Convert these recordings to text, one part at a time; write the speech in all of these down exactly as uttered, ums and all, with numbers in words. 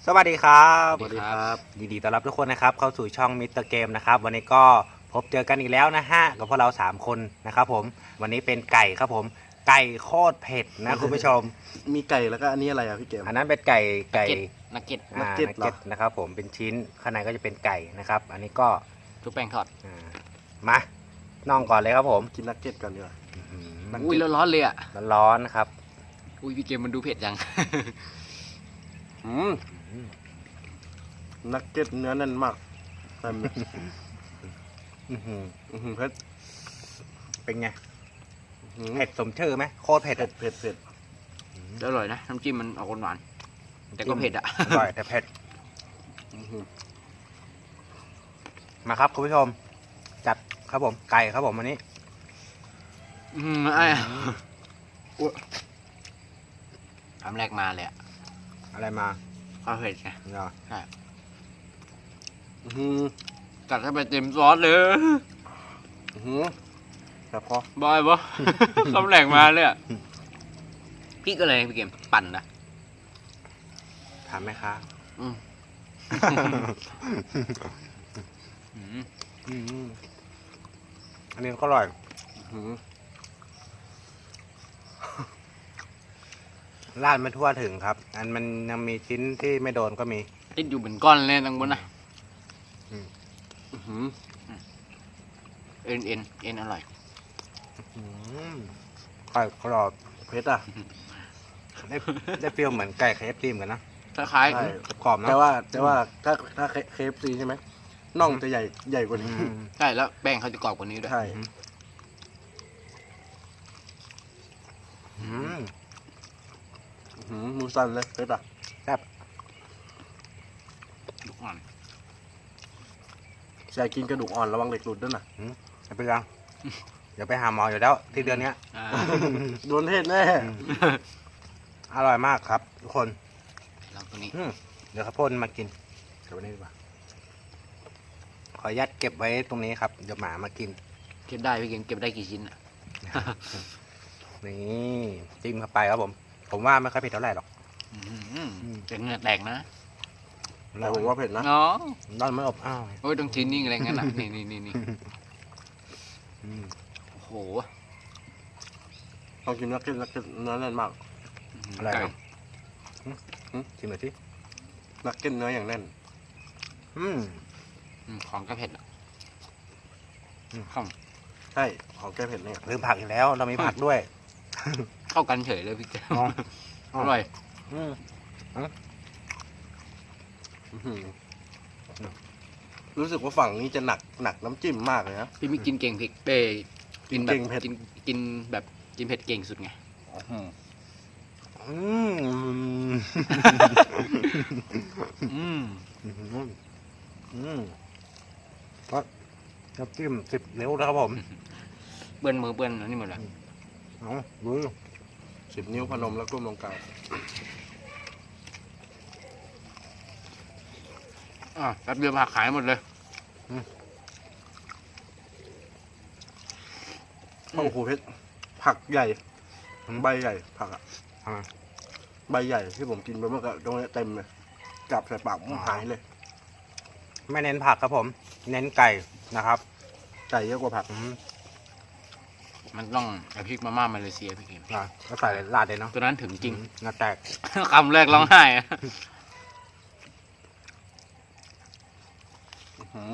สวัสดีครับสวัสดีครับยินดีต้อนรับทุกคนนะครับเข้าสู่ช่องมิสเตอร์เกมนะครับวันนี้ก็พบเจอกันอีกแล้วนะฮะกับพวกเราสามคนนะครับผมวันนี้เป็นไก่ครับผมไก่โคตรเผ็ดนะคุณผู้ชมมีไก่แล้วก็อันนี้อะไรอ่ะพี่เกมอันนั้นเป็นไก่ไก่นักเก็ตอ่านักเก็ตเหรอนักนะครับผมเป็นชิ้นข้างในก็จะเป็นไก่นะครับ อันนี้ก็ทุกแป้งทอดอ่ามาน่องก่อนเลยครับผมกินนักเก็ตก่อนดีกว่าอื้อหืนักอุ้ยร้อนๆเลยอ่ะอร้อนๆนะครับอุ้ยพี่เกมมันดูเผ็ดจังอืมนักเก็ตเนื้อแน่นมากเต็มเลยอื้อหืออื้อหือเผ็ดเป็นไงอื้อหือเผ็ดสมชื่อไหมโคตรเผ็ดเผ็ดเผ็ดเผ็ดอร่อยนะน้ำจิ้มมันออกหวานๆแต่ก็เผ็ดอ่ะอร่อยแต่เผ็ดอื้อหือมาครับคุณผู้ชม จัดครับผมไก่ครับผมวันนี้อืมไอ้คำแรกมาเลยอ่ะอะไรมาข้าวเผ็ดไงเนาะอื้อหือกัดเข้าไปเต็มซอสเลยอื้อหือแต่พอบอยปะ คำแรกมาเลยอ่ะพี่ก็เลยพี่เกมปั่นนะถามไหมคะอืมอืมอืมอันนี้ก็อร่อยอื้อหือราดไม่ทั่วถึงครับ อันมันยังมีชิ้นที่ไม่โดนก็มีติดอยู่เป็นก้อนเลยตั้งบนนะอื้อหือเอ็นเอ็นเอ็นอร่อยอืมไก่กรอบเผ็ดอ่ะได้ได้เปรี้ยวเหมือนไก่เคฟซีเหมือนกันนะคล้ายใช่กรอบๆเนอะแต่ว่าแต่ว่าถ้าถ้าเคฟซีใช่ไหมน่องจะใหญ่ใหญ่กว่าอืนี้มๆใช่แล้วแป้งเขาจะกรอบกว่านี้ด้วยใช่อืมอื้อหือมือสั่นเลยเผ็ดอ่ะแซ่บทุกอันใช่กินกระดูกอ่อนระวังเหล็กหลุดด้วยนะไม่เป็นไรเดี๋ยวไปหาหมออยู่แล้วที่เดือนเนี้ยอ่าโดนเทศแน่อร่อยมากครับ ทุกคนลองตัวนี้อืมเดี๋ยวข้าวโพ่นมากินเดี๋ยววันนี้ดีกว่าขออนุญาตเก็บไว้ตรงนี้ครับเดี๋ยวหมามากินเก็บได้พี่เกมเก็บได้กี่ชิ้นอ่ะนี่จิ้มเข้าไปครับผม ผมว่าไม่ค่อยเผ็ดเท่าไหร่หรอกอืมอืมจะเหงื่อแตกนะแต่ผมว่าเผ็ดนะเนาะร้อนไม่อบอ้าวโอ้ยต้องชิ้นนิ่งอะไรงั้นอ่ะ นี่นี่นี่นี่อืมโอ้โหลองกินนักเก็ตนักเก็ตเนื้อแน่นมากอะไรไก่ครับอืมชิมหน่อยสินักเก็ตเนื้ออย่างแน่นอืมอืมของก็เผ็ดอ่ะอืมเข้าใช่ของแก้เผ็ดเนี่ยลืมผักอีกแล้ว เรามีผักด้วยเข้ากันเฉยเลยพี่เกมอ๋ออร่อยอืมอื้อหือรู้สึกว่าฝั่งนี้จะหนักหนักน้ำจิ้มมากเลยนะพี่ไม่กินเก่งเผ็ดเป้กินแบบกินเก่งเผ็ดกินกินแบบกินเผ็ดเก่งสุดไงอืมอืมอืมอืมก็น้ำจิ้มสิบนิ้วแล้วครับผมเปื้อนมือเปื้อนอันนี้หมดเลยเอาดูสิบนิ้วพนมแล้วก้มลงกลางอ่ะแป๊บเดียวผักขายหมดเลยโอ้โหเพชรผักใหญ่ใบใหญ่ผักอะทำไมใบใหญ่ที่ผมกินไปเมื่อกี้ตรงนี้เต็มเลยจับใส่ปากมันหายเลยไม่เน้นผักครับผม เน้นไก่นะครับไก่เยอะกว่าผักอืมมันต้องเอาพริกมาม่ามาเลเซียพี่เกมอ่ะก็ใส่ราดเลยเนาะตัวนั้นถึงจริงหน้าแตกคำแรกร้องไห้อะอื้อหือ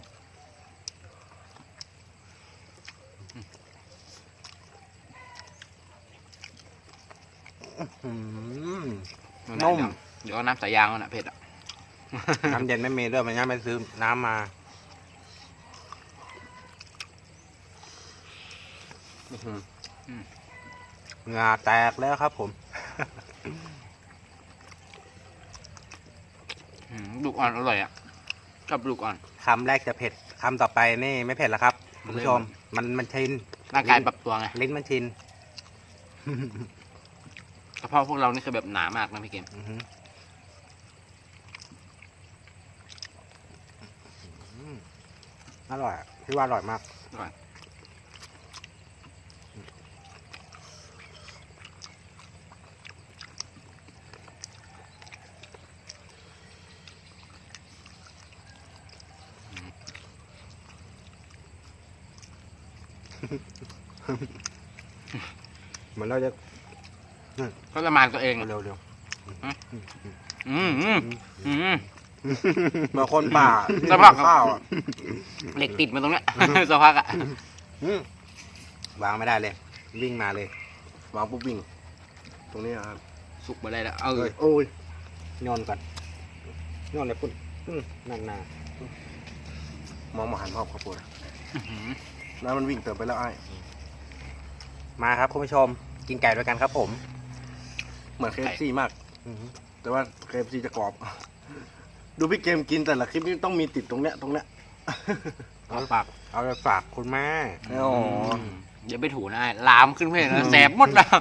อืมนุ่นุ่มเดี๋ยวเอาน้ำสายยางมันอ่ะเผ็ดอ่ะน้ำเย็นไม่มีด้วยมันยังไม่ซื้อน้ำมาอื้อหือเหงาแตกแล้วครับผมอืมลูกอ่อนอร่อยอ่ะชอบลูกอ่อนคำแรกจะเผ็ด คำต่อไปนี่ไม่เผ็ดแล้วครับคุณผู้ชม มันมันชินร่างกายปรับตัวไงลิ้นมันชินกระเพาะพวกเรานี่คือแบบหนามากนะพี่เกมอื้อหืออืมอร่อยอะพี่ว่าอร่อยมากอร่อยเหมือนเราจะก็ละมานตัวเองเร็วเร็วอืมอืมอืมเหมือนคนป่าสภาพข้าวอ่ะเหล็กติดมาตรงเนี้ย สักพักอ่ะอืมวางไม่ได้เลย วิ่งมาเลยวางปุ๊บวิ่ง ตรงนี้ครับสุกมาได้แล้วเออโอ้ยโยนก่อนโยนเลยปุ่นอืมนั่นน่ะมองมาหันภาพขอบคุณน้ำมันวิ่งเติมไปแล้วไอ้มาครับคุณผู้ชม กินไก่ด้วยกันครับผมเหมือนเคฟซีมากอืมแต่ว่าเคฟซีจะกรอบ ดูพี่เกมกินแต่ละคลิปนี้ต้องมีติดตรงเนี้ยตรงเนี้ยเอาปากเอาไปฝากคุณแม่อ๋ออย่าไปถูนะไอ้ลามขึ้นเพลงนะแสบหมดแล้ว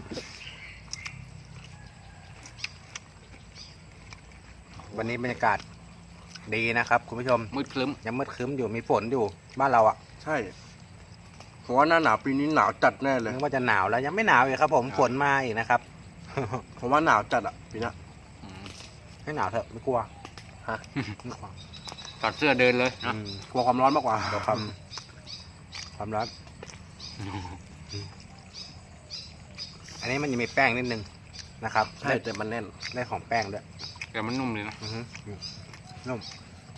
วันนี้บรรยากาศดีนะครับ คุณผู้ชมมืดคลึ้มยังมืดครึ้มอยู่มีฝนอยู่บ้านเราอ่ะใช่ผมว่าหน้าหนาวปีนี้หนาวจัดแน่เลยนึกว่าจะหนาวแล้วยังไม่หนาวอีกครับ ผมฝนมาอีกนะครับผมว่าหนาวจัดอ่ะปีนี้อืมให้หนาวเถอะไม่กลัวฮะไม่กลัวถอดเสื้อเดินเลยนะอืมกลัวความร้อนมากกว่าเดี๋ยวความความร้อนอันนี้มันยังมีแป้งนิดนึงนะครับใช่แต่มันแน่นได้ของแป้งด้วยแต่มันนุ่มเลยนะอือฮึนุ่ม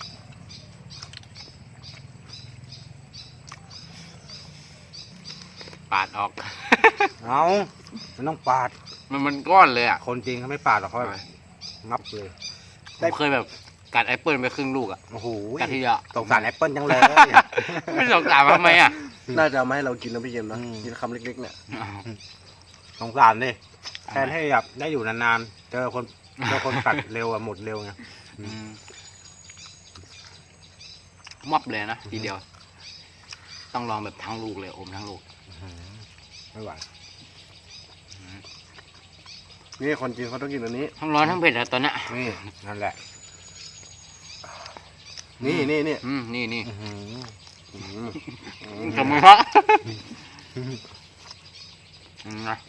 ปาดออกเอามันต้องปาดมันมันก้อนเลยอ่ะคนจริงเขาไม่ปาดหรอกเขาแบบงับเลยผมเคยแบบกัดแอปเปิลไปครึ่งลูกอ่ะโอ้โหกัดทีเดียวสงสารแอปเปิลจังเลยไม่สงสารทำไมอ่ะน่าจะเอามาให้เรากินนะพี่เกมนะอืมกินคำเล็กๆเนี่ยสงสารดิแทนให้แบบได้อยู่นานๆเจอคนเจอคนกัดเร็วอะหมดเร็วไงอืมมับเลยนะทีเดียว ต้องลองแบบทั้งลูกเลยอมทั้งลูกไม่ไหวนี่คนจีนเขาต้องกินอันนี้ทั้งร้อนทั้งเผ็ดอะตอนเนี้ยนี่นั่นแหละนี่นี่นี่อืมนี่นี่อื้อหืออืมอืมจมูกฮะอืมนะ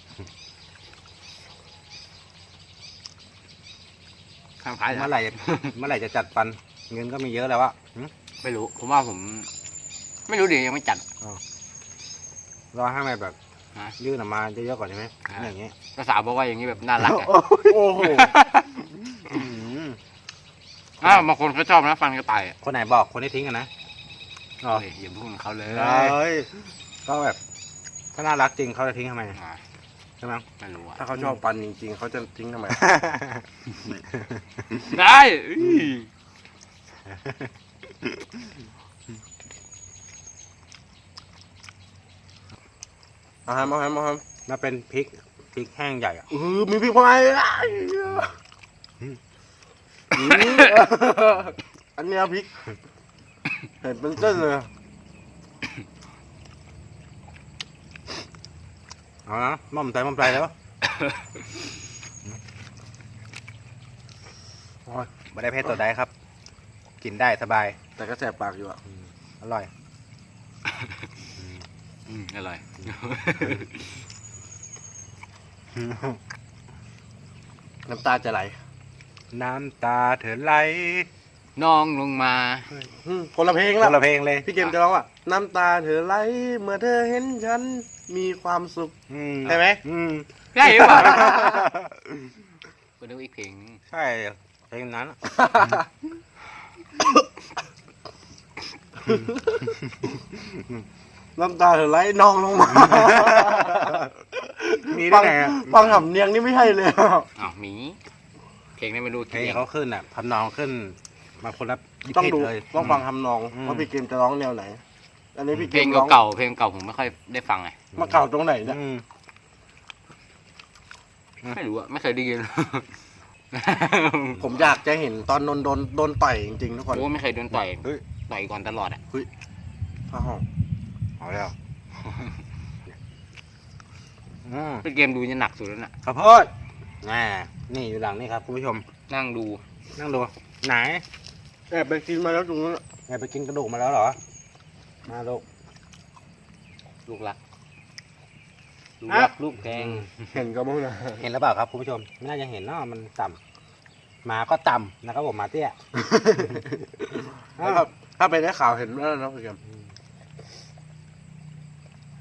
ข้างท้ายเหรอเมื่อไหร่จะเมื่อไหร่จะจัดฟันเงินก็มีเยอะแล้วอะหึไม่รู้ ผมว่าผม ไม่รู้ดิยังไม่จัดรอให้มันแบบฮะยื่นออกมาเยอะๆก่อนใช่ไหมฮะอย่างเงี้ยภาษาวบอกว่าอย่างนี้แบบน่ารักอะโอ้โหอื้อหืออ้าวบางคนก็ชอบนะฟันกระต่ายอะคนไหนบอกคนที่ทิ้งกันนะอ๋อเฮ้ยอย่าพูดกับเขาเลยเอ้ยก็แบบถ้าน่ารักจริงเขาจะทิ้งทำไมอ่าใช่ไหมไม่รู้อะถ้าเขาชอบปันจริงๆเขาจะทิ้งทำไมได้อื้อเอาแฮมเอาแฮมเอาแฮมน่าเป็นพริกพริกแห้งใหญ่อะเออมีพริกพายอันเนี้ยพริกเห็นเป็นเส้นเลยเอานะม่อมใจม่อมใจแล้วโอ้ยไม่ได้เพชรตัวใดครับ กินได้สบายแต่ก็แสบปากอยู่อ่ะอร่อยอืมอร่อยน้ำตาจะไหลน้ำตาเถอไหลน้องลงมาอืมคนละเพลงคละนละเพลงเลยพี่เกมจะร้องว่าน้ำตาเธอไหลเมื่อเธอเห็นฉันมีความสุขอืมใช่ไหมอืมใช่หรือเปล่าก็นึกว่าอีกเพลงนึงใช่เพลงนั้นอะน้ำตาเธอไหลนองลงมามีฟัได้งไงอะฟังหำเนียงนี่ไม่ใช่เลยอ้าวหมี เพลงนี้ไม่รู้เพลกี่งเพลงเขาขึ้นอ่ะทำนองขึ้น มาคนละยี่ต้องสิบดูเลยต้องฟังทำนองอืมว่าพี่เกมจะร้องแนวไหน อันนี้พี่เกเพลงมร้องเก่าๆเพลงเก่าผมไม่ค่อยได้ฟังไงมาเก่าตรงไหนเนี่ยอืมไม่รู้อะไม่เคยได้ยินผมอยากจะเห็นตอนโดนโดนโดนต่อยจริงๆทุกคนโอ้ไม่เคยโดนต่อยเฮ้ยต่อยก่อนตลอดอะผ้าห้องเอาแล้วอืมเป็นเกมดูจะหนักสุดแล้วน่ะข้าวโพดน่านี่อยู่หลังนี่ครับคุณผู้ชมนั่งดูนั่งดู ไหนแอบไปกินมาแล้วตรงนั้นแอบไปกินกระดูกมาแล้วเหรอ มาลูกลูกรัก ลูกอ่ะรักลูกแพงเห็นก็มั้งนะเห็นหรือเปล่าครับคุณผู้ชม ไม่น่าจะเห็นเนาะมันต่ำหมาก็ต่ำนะครับผมหมาเตี้ยถ้าถ้าไปได้ข่าวเห็นแล้วนะพี่เกม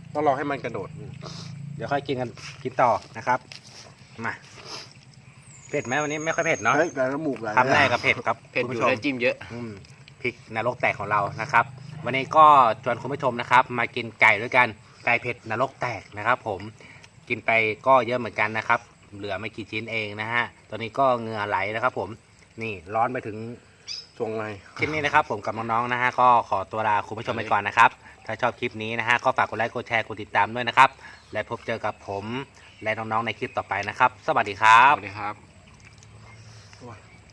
ต้องรอให้มันกระโดดเดี๋ยวค่อยกินกันกินต่อนะครับมาเผ็ดไหมวันนี้ไม่ค่อยเผ็ดเนาะเฮ้ยแต่ละหมูกไหลคำแรกกับเผ็ดครับเผ็ดคุณอยู่ผู้ชมแล้วจิ้มเยอะอืมพริกนรกแตกของเรานะครับ วันนี้ก็ชวนคุณผู้ชมนะครับ มากินไก่ด้วยกันไก่เผ็ดนรกแตกนะครับ ผมกินไปก็เยอะเหมือนกันนะครับ เหลือไม่กี่ชิ้นเองนะฮะตอนนี้ก็เหงื่อไหลนะครับ ผมนี่ร้อนไปถึงทรงไงคลิปนี้นะครับ ผมกับน้องๆนะฮะก็ขอตัวลาคุณผู้ชมไปก่อนนะครับ ถ้าชอบคลิปนี้นะฮะก็ฝากกดไลค์กดแชร์กดติดตามด้วยนะครับ และพบเจอกับผมและน้องๆในคลิปต่อไปนะครับ สวัสดีครัสบวัสดีครับ